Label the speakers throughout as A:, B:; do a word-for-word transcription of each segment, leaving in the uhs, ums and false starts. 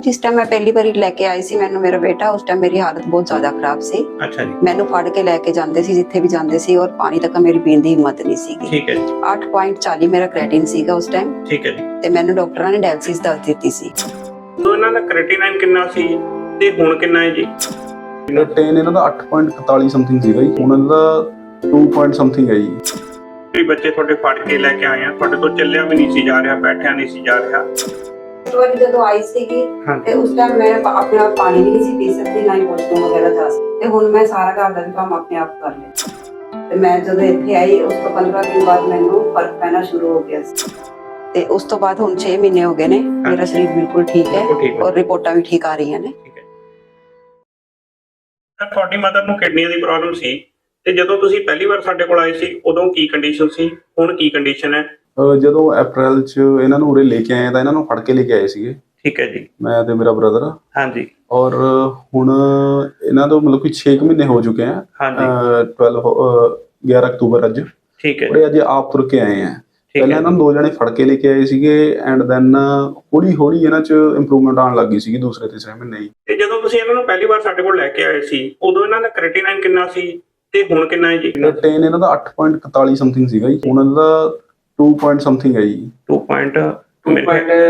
A: जिस टाइम मैं पहली बार लेके आई सी मैनू मेरा बेटा उस टाइम मेरी हालत बहुत ज्यादा खराब सी।
B: अच्छा जी।
A: मैनू फड़ के लेके जाते सी जिथे भी जाते सी और पानी तक मेरी पीण दी हिम्मत नहीं सी।
B: ठीक है जी।
A: आठ पॉइंट चाली मेरा क्रेटिन सीगा उस टाइम।
B: ठीक है जी।
A: ते मैनू डॉक्टरां ने डायलिसिस दस दित्ती सी।
B: तो इन्हां दा क्रेटिनाइन किन्ना सी ते हुण किन्ना है जी?
C: क्रेटिन इन्हां दा आठ पॉइंट इकतालीस समथिंग सीगा जी, हुण इन्हां दा दो पॉइंट समथिंग है जी।
B: भी बच्चे ਤੁਹਾਡੇ ਫੜ ਕੇ ਲੈ ਕੇ ਆਏ ਆ, ਤੁਹਾਡੇ ਤੋਂ ਚੱਲਿਆ ਵੀ ਨਹੀਂ ਸੀ ਜਾ ਰਿਹਾ, ਬੈਠਿਆ ਨਹੀਂ ਸੀ ਜਾ ਰਿਹਾ।
A: ਇੱਕ ਵਾਰੀ ਜਦੋਂ ਆਈ ਸੀਗੀ ਤੇ ਉਸ ਟਾਈਮ ਮੈਂ ਆਪਣੇ ਆਪ ਪਾਣੀ ਵੀ ਨਹੀਂ ਸੀ ਪੀ ਸਕਦੀ, ਨਾ ਹੀ ਵਾਸ਼ਰੂਮ ਵਗੈਰਾ ਜਾ ਸਕਦੀ ਤੇ ਹੁਣ ਮੈਂ ਸਾਰਾ ਘਰ ਦਾ ਵੀ ਕੰਮ ਆਪਣੇ ਆਪ ਕਰ ਲਿਆ। ਤੇ ਮੈਂ ਜਦੋਂ ਇੱਥੇ ਆਈ ਉਸ ਤੋਂ ਪੰਦਰਾਂ ਦਿਨ ਬਾਅਦ ਮੈਨੂੰ ਫਰਕ ਪੈਣਾ ਸ਼ੁਰੂ ਹੋ ਗਿਆ ਸੀ ਤੇ ਉਸ ਤੋਂ ਬਾਅਦ ਹੁਣ ਛੇ ਮਹੀਨੇ ਹੋ ਗਏ ਨੇ, ਮੇਰਾ ਸਰੀਰ ਬਿਲਕੁਲ ਠੀਕ ਹੈ ਔਰ ਰਿਪੋਰਟਾਂ ਵੀ ਠੀਕ ਆ ਰਹੀਆਂ ਨੇ।
B: ਤੁਹਾਡੀ ਮਦਰ ਨੂੰ ਕਿਡਨੀਆਂ ਦੀ ਪ੍ਰੋਬਲਮ ਸੀ ਤੇ ਜਦੋਂ ਤੁਸੀਂ ਪਹਿਲੀ ਵਾਰ ਸਾਡੇ ਕੋਲ ਆਏ ਸੀ ਉਦੋਂ ਕੀ ਕੰਡੀਸ਼ਨ ਸੀ, ਹੁਣ ਕੀ ਕੰਡੀਸ਼ਨ ਹੈ?
C: ਜਦੋਂ ਅਪ੍ਰੈਲ ਚ ਇਹਨਾਂ ਨੂੰ ਉਰੇ ਲੈ ਕੇ ਆਏ ਤਾਂ ਇਹਨਾਂ ਨੂੰ ਫੜ ਕੇ ਲੈ ਕੇ ਆਏ ਸੀਗੇ।
B: ਠੀਕ ਹੈ ਜੀ।
C: ਮੈਂ ਤੇ ਮੇਰਾ ਬ੍ਰਦਰ।
B: ਹਾਂਜੀ।
C: ਔਰ ਹੁਣ ਇਹਨਾਂ ਤੋਂ ਮਤਲਬ ਕਿ ਛੇ ਮਹੀਨੇ ਹੋ ਚੁੱਕੇ ਆ।
B: ਹਾਂਜੀ।
C: ਬਾਰਾਂ ਗਿਆਰਾਂ ਅਕਤੂਬਰ ਅੱਜ।
B: ਠੀਕ ਹੈ।
C: ਉਹ ਅੱਜ ਆਪ ਤੁਰ ਕੇ ਆਏ ਆ। ਪਹਿਲਾਂ ਇਹਨਾਂ ਨੂੰ ਦੋ ਜਣੇ ਫੜ ਕੇ ਲੈ ਕੇ ਆਏ ਸੀਗੇ ਐਂਡ ਦੈਨ ਹੌਲੀ ਹੌਲੀ ਇਹਨਾਂ ਚ ਇੰਪਰੂਵਮੈਂਟ ਆਉਣ ਲੱਗੀ ਸੀਗੀ ਦੂਸਰੇ ਤੀਸਰੇ ਮਹੀਨੇ ਹੀ।
B: ਤੇ ਜਦੋਂ ਤੁਸੀਂ ਇਹਨਾਂ ਨੂੰ ਪਹਿਲੀ ਵਾਰ ਸਾਡੇ ਕੋਲ ਲੈ ਕੇ ਆਏ ਸੀ ਉਦੋਂ ਇਹਨਾਂ ਦਾ ਕ੍ਰੈਟੀਨਾਈਨ ਕਿੰਨਾ ਸੀ ਤੇ ਹੁਣ ਕਿੰਨਾ ਹੈ ਜੀ?
C: ਕ੍ਰੈਟੀਨ ਇਹਨਾਂ ਦਾ ਆਠ ਪॉइंट ਇਕਤਾਲੀ ਸਮਥਿੰਗ ਸੀਗਾ ਜੀ, ਹੁਣ ਇਹਨਾਂ ਦਾ ਦੋ ਪੁਆਇੰਟ ਸਮਥਿੰਗ ਹੈ ਜੀ।
B: ਦੋ ਪੁਆਇੰਟ ਅੱਠ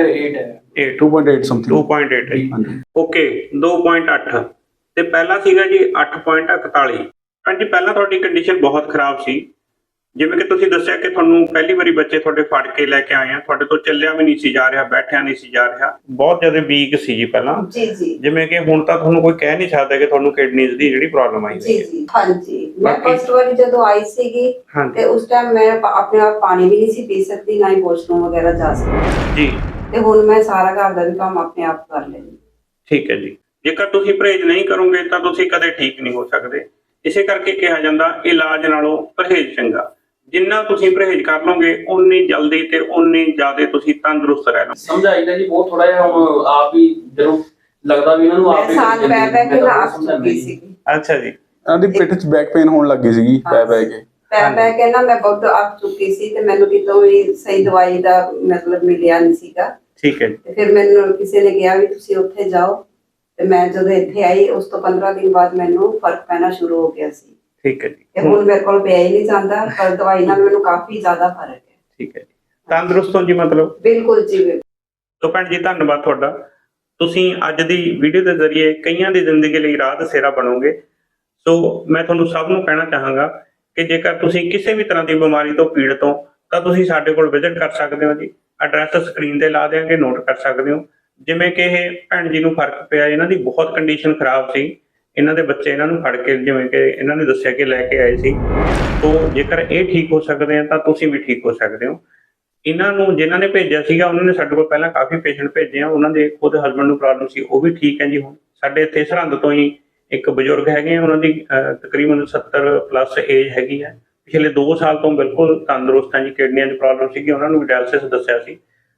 B: ਹੈ।
C: ਦੋ ਪੁਆਇੰਟ ਅੱਠ ਸਮਥਿੰਗ।
B: ਦੋ ਪੁਆਇੰਟ ਅੱਠ ਹੈ ਜੀ। ਓਕੇ, ਦੋ ਪੁਆਇੰਟ ਅੱਠ ਤੇ ਪਹਿਲਾਂ ਸੀਗਾ ਜੀ ਅੱਠ ਪੁਆਇੰਟ ਇਕਤਾਲੀ। ਹਾਂਜੀ, ਪਹਿਲਾਂ ਤੁਹਾਡੀ ਕੰਡੀਸ਼ਨ ਬਹੁਤ ਖਰਾਬ ਸੀ, ਜਿਵੇਂ ਕਿ ਤੁਸੀਂ ਦੱਸਿਆ ਕਿ ਤੁਹਾਨੂੰ ਪਹਿਲੀ ਵਾਰੀ ਬੱਚੇ ਤੁਹਾਡੇ ਫੜ ਕੇ ਲੈ ਕੇ ਆਏ ਆ, ਤੁਹਾਡੇ ਤੋਂ ਚੱਲਿਆ ਵੀ ਨਹੀਂ ਸੀ ਜਾ ਰਿਹਾ, ਬੈਠਿਆ ਨਹੀਂ ਸੀ ਜਾ ਰਿਹਾ, ਬਹੁਤ ਜ਼ਿਆਦਾ ਵੀਕ ਸੀ ਜੀ ਪਹਿਲਾਂ।
A: ਜੀ ਜੀ।
B: ਜਿਵੇਂ ਕਿ ਹੁਣ ਤਾਂ ਤੁਹਾਨੂੰ ਕੋਈ ਕਹਿ ਨਹੀਂ ਸਕਦਾ ਕਿ ਤੁਹਾਨੂੰ ਕਿਡਨੀਜ਼ ਦੀ ਜਿਹੜੀ ਪ੍ਰੋਬਲਮ ਆਈ
A: ਜੀ ਜੀ। ਹਾਂਜੀ, ਮੈਂ ਫਸਟ ਵਾਰੀ ਜਦੋਂ ਆਈ ਸੀਗੀ ਤੇ ਉਸ ਟਾਈਮ ਮੈਂ ਆਪਣੇ ਆਪ ਪਾਣੀ ਵੀ ਨਹੀਂ ਸੀ ਪੀ ਸਕਦੀ, ਨਾ ਹੀ ਵਾਸ਼ਰੂਮ ਵਗੈਰਾ ਜਾ ਸਕਦੀ ਜੀ। ਤੇ ਹੁਣ ਮੈਂ ਸਾਰਾ ਘਰ ਦਾ ਵੀ ਕੰਮ ਆਪਣੇ ਆਪ ਕਰ ਲੈਂਦੀ। ਠੀਕ ਹੈ ਜੀ। ਜੇਕਰ ਤੁਸੀਂ ਪਰਹੇਜ਼ ਨਹੀਂ ਕਰੋਗੇ ਤਾਂ ਤੁਸੀਂ ਕਦੇ ਠੀਕ ਨਹੀਂ ਹੋ ਸਕਦੇ। ਇਸੇ ਕਰਕੇ ਕਿਹਾ ਜਾਂਦਾ ਇਲਾਜ ਨਾਲੋਂ ਪਰਹੇਜ਼ ਚੰਗਾ। ਜਿੰਨਾ ਤੁਸੀਂ ਪਰਹੇਜ਼ ਕਰ ਲਓਗੇ ਉਨੀ ਜਲਦੀ ਤੇ ਉਨੀ ਜ਼ਿਆਦਾ ਤੁਸੀਂ ਤੰਦਰੁਸਤ ਰਹਿਣਾ।
D: ਸਮਝਾਈਦਾ ਜੀ ਬਹੁਤ ਥੋੜਾ ਜਿਹਾ, ਹੁਣ ਆਪ ਹੀ ਜਦੋਂ ਲੱਗਦਾ ਵੀ ਇਹਨਾਂ ਨੂੰ ਆਪ ਹੀ
A: ਸਾਲ ਪੈ ਪੈ ਕੇ ਨਾ ਚੁੱਕੀ ਸੀ।
B: ਅੱਛਾ ਜੀ।
C: ਇਹਨਾਂ ਦੀ ਪਿੱਠ 'ਚ ਬੈਕ ਪੇਨ ਹੋਣ ਲੱਗ ਗਈ ਸੀਗੀ ਪੈ ਪੈ ਕੇ।
A: ਪੈ ਪੈ ਕੇ ਨਾ ਮੈਂ ਬਹੁਤ ਅੱਕ ਚੁੱਕੀ ਸੀ ਤੇ ਮੈਨੂੰ ਕਿਤੋਂ ਵੀ ਸਹੀ ਦਵਾਈ ਦਾ ਮਤਲਬ ਮਿਲਿਆ ਨਹੀਂ ਸੀਗਾ। ਠੀਕ ਹੈ। ਤੇ ਫਿਰ ਮੈਨੂੰ ਕਿਸੇ ਨੇ ਕਿਹਾ ਵੀ ਤੁਸੀਂ ਉੱਥੇ ਜਾਓ ਤੇ ਮੈਂ ਜਦੋਂ ਇੱਥੇ ਆਈ ਉਸ ਤੋਂ ਪੰਦਰਾਂ ਦਿਨ ਬਾਅਦ ਮੈਨੂੰ ਫਰਕ ਪੈਣਾ ਸ਼ੁਰੂ ਹੋ ਗਿਆ ਸੀ। ਠੀਕ ਹੈ ਜੀ। ਤੇ ਹੁਣ ਮੇਰੇ ਕੋਲ ਪਿਆ ਹੀ ਨਹੀਂ ਜਾਂਦਾ, ਪਰ ਦਵਾਈ ਨਾਲ ਮੈਨੂੰ ਕਾਫੀ ਜ਼ਿਆਦਾ ਫਰਕ ਹੈ। ਠੀਕ ਹੈ ਜੀ। ਤੰਦਰੁਸਤ ਹੋ ਜੀ ਮਤਲਬ? ਬਿਲਕੁਲ ਜੀ।
B: ਤੋ ਭੈਣ ਜੀ ਧੰਨਵਾਦ ਤੁਹਾਡਾ। ਤੁਸੀਂ ਅੱਜ ਦੀ ਵੀਡੀਓ ਦੇ ਜ਼ਰੀਏ ਕਈਆਂ ਦੀ ਜ਼ਿੰਦਗੀ ਲਈ ਰਾਹ ਦਸੇਰਾ ਬਣੋਗੇ। ਸੋ ਮੈਂ ਤੁਹਾਨੂੰ ਸਭ ਨੂੰ ਕਹਿਣਾ ਚਾਹਾਂਗਾ ਕਿ ਜੇਕਰ ਤੁਸੀਂ ਕਿਸੇ ਵੀ ਤਰ੍ਹਾਂ ਦੀ ਬਿਮਾਰੀ ਤੋਂ ਪੀੜਤ ਹੋ ਤਾਂ ਤੁਸੀਂ ਸਾਡੇ ਕੋਲ ਵਿਜ਼ਿਟ ਕਰ ਸਕਦੇ ਹੋ ਜੀ। ਐਡਰੈਸ ਸਕਰੀਨ ਤੇ ਲਾ ਦਿਆਂਗੇ, ਨੋਟ ਕਰ ਸਕਦੇ ਹੋ। ਜਿਵੇਂ ਕਿ ਇਹ ਭੈਣ ਜੀ ਨੂੰ ਫਰਕ ਪਿਆ, ਇਹਨਾਂ ਦੀ ਬਹੁਤ ਕੰਡੀਸ਼ਨ ਖਰਾਬ ਸੀ, ਇਹਨਾਂ ਦੇ ਬੱਚੇ ਇਹਨਾਂ ਨੂੰ ਫੜ ਕੇ ਜਿਵੇਂ ਕਿ ਇਹਨਾਂ ਨੇ ਦੱਸਿਆ ਕਿ ਲੈ ਕੇ ਆਏ ਸੀ। ਸੋ ਜੇਕਰ ਇਹ ਠੀਕ ਹੋ ਸਕਦੇ ਆ ਤਾਂ ਤੁਸੀਂ ਵੀ ਠੀਕ ਹੋ ਸਕਦੇ ਹੋ। ਇਹਨਾਂ ਨੂੰ ਜਿਨ੍ਹਾਂ ਨੇ ਭੇਜਿਆ ਸੀਗਾ ਉਹਨਾਂ ਨੇ ਸਾਡੇ ਕੋਲ ਪਹਿਲਾਂ ਕਾਫੀ ਪੇਸ਼ੈਂਟ ਭੇਜੇ ਆ, ਉਹਨਾਂ ਦੇ ਖੁਦ ਹਸਬੈਂਡ ਨੂੰ ਪ੍ਰੋਬਲਮ ਸੀ, ਉਹ ਵੀ ਠੀਕ ਹੈ ਜੀ। ਹੁਣ ਸਾਡੇ ਇੱਥੇ ਸਰਹੰਦ ਤੋਂ ਹੀ ਇੱਕ ਬਜ਼ੁਰਗ ਹੈਗੇ ਆ, ਉਹਨਾਂ ਦੀ ਤਕਰੀਬਨ ਸੱਤਰ ਪਲੱਸ ਏਜ ਹੈਗੀ ਹੈ, ਪਿਛਲੇ ਦੋ ਸਾਲ ਤੋਂ ਬਿਲਕੁਲ ਤੰਦਰੁਸਤ ਹੈ ਜੀ। ਕਿਡਨੀਆਂ ਦੀ ਪ੍ਰੋਬਲਮ ਸੀਗੀ, ਉਹਨਾਂ ਨੂੰ ਵੀ ਡਾਇਲਿਸਿਸ ਦੱਸਿਆ ਸੀ।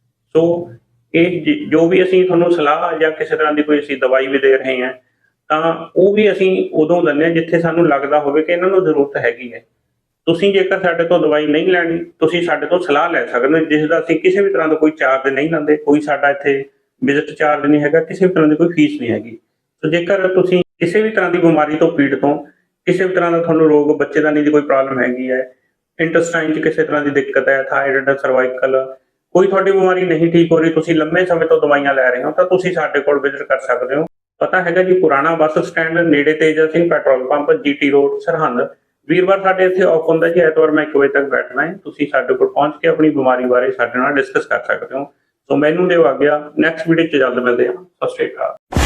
B: ਸੋ ਇਹ ਜੋ ਵੀ ਅਸੀਂ ਤੁਹਾਨੂੰ ਸਲਾਹ ਜਾਂ ਕਿਸੇ ਤਰ੍ਹਾਂ ਦੀ ਕੋਈ ਅਸੀਂ ਦਵਾਈ ਵੀ ਦੇ ਰਹੇ ਹਾਂ ਤਾਂ ਉਹ ਵੀ ਅਸੀਂ ਉਦੋਂ ਦਿੰਦੇ ਹਾਂ ਜਿੱਥੇ ਸਾਨੂੰ ਲੱਗਦਾ ਹੋਵੇ ਕਿ ਇਹਨਾਂ ਨੂੰ ਜ਼ਰੂਰਤ ਹੈਗੀ ਹੈ। ਤੁਸੀਂ ਜੇਕਰ ਸਾਡੇ ਤੋਂ ਦਵਾਈ ਨਹੀਂ ਲੈਣੀ, ਤੁਸੀਂ ਸਾਡੇ ਤੋਂ ਸਲਾਹ ਲੈ ਸਕਦੇ ਹੋ, ਜਿਸ ਦਾ ਅਸੀਂ ਕਿਸੇ ਵੀ ਤਰ੍ਹਾਂ ਦਾ ਕੋਈ ਚਾਰਜ ਨਹੀਂ ਲੈਂਦੇ। ਕੋਈ ਸਾਡਾ ਇੱਥੇ ਵਿਜ਼ਿਟ ਚਾਰਜ ਨਹੀਂ ਹੈਗਾ, ਕਿਸੇ ਵੀ ਤਰ੍ਹਾਂ ਦੀ ਕੋਈ ਫੀਸ ਨਹੀਂ ਹੈਗੀ। ਸੋ ਜੇਕਰ ਤੁਸੀਂ ਕਿਸੇ ਵੀ ਤਰ੍ਹਾਂ ਦੀ ਬਿਮਾਰੀ ਤੋਂ ਪੀੜਤ ਹੋ, ਕਿਸੇ ਵੀ ਤਰ੍ਹਾਂ ਦਾ ਤੁਹਾਨੂੰ ਰੋਗ, ਬੱਚੇਦਾਨੀ ਦੀ ਕੋਈ ਪ੍ਰੋਬਲਮ ਹੈਗੀ ਹੈ, ਇੰਟੈਸਟਾਈਨ 'ਚ ਕਿਸੇ ਤਰ੍ਹਾਂ ਦੀ ਦਿੱਕਤ ਹੈ, ਥਾਇਰਾਇਡ, ਸਰਵਾਈਕਲ, ਕੋਈ ਤੁਹਾਡੀ ਬਿਮਾਰੀ ਨਹੀਂ ਠੀਕ ਹੋ ਰਹੀ, ਤੁਸੀਂ ਲੰਮੇ ਸਮੇਂ ਤੋਂ ਦਵਾਈਆਂ ਲੈ ਰਹੇ ਹੋ ਤਾਂ ਤੁਸੀਂ ਸਾਡੇ ਕੋਲ ਵਿਜ਼ਿਟ ਕਰ ਸਕਦੇ ਹੋ। ਪਤਾ ਹੈਗਾ ਜੀ ਪੁਰਾਣਾ ਬੱਸ ਸਟੈਂਡ ਨੇੜੇ Teja Singh petrol pump, GT road, Sirhind. ਵੀਰਵਾਰ ਸਾਡੇ ਇੱਥੇ ਆਫ ਹੁੰਦਾ ਜੀ, ਐਤਵਾਰ ਮੈਂ ਇੱਕ ਵਜੇ ਤੱਕ ਬੈਠਣਾ ਹੈ। ਤੁਸੀਂ ਸਾਡੇ ਕੋਲ ਪਹੁੰਚ ਕੇ ਆਪਣੀ ਬਿਮਾਰੀ ਬਾਰੇ ਸਾਡੇ ਨਾਲ ਡਿਸਕਸ ਕਰ ਸਕਦੇ ਹੋ। ਸੋ ਮੈਨੂੰ ਦਿਓ ਆਗਿਆ, ਨੈਕਸਟ ਵੀਡੀਓ 'ਚ ਜਲਦ ਮਿਲਦੇ ਹਾਂ। ਸਤਿ ਸ਼੍ਰੀ ਅਕਾਲ।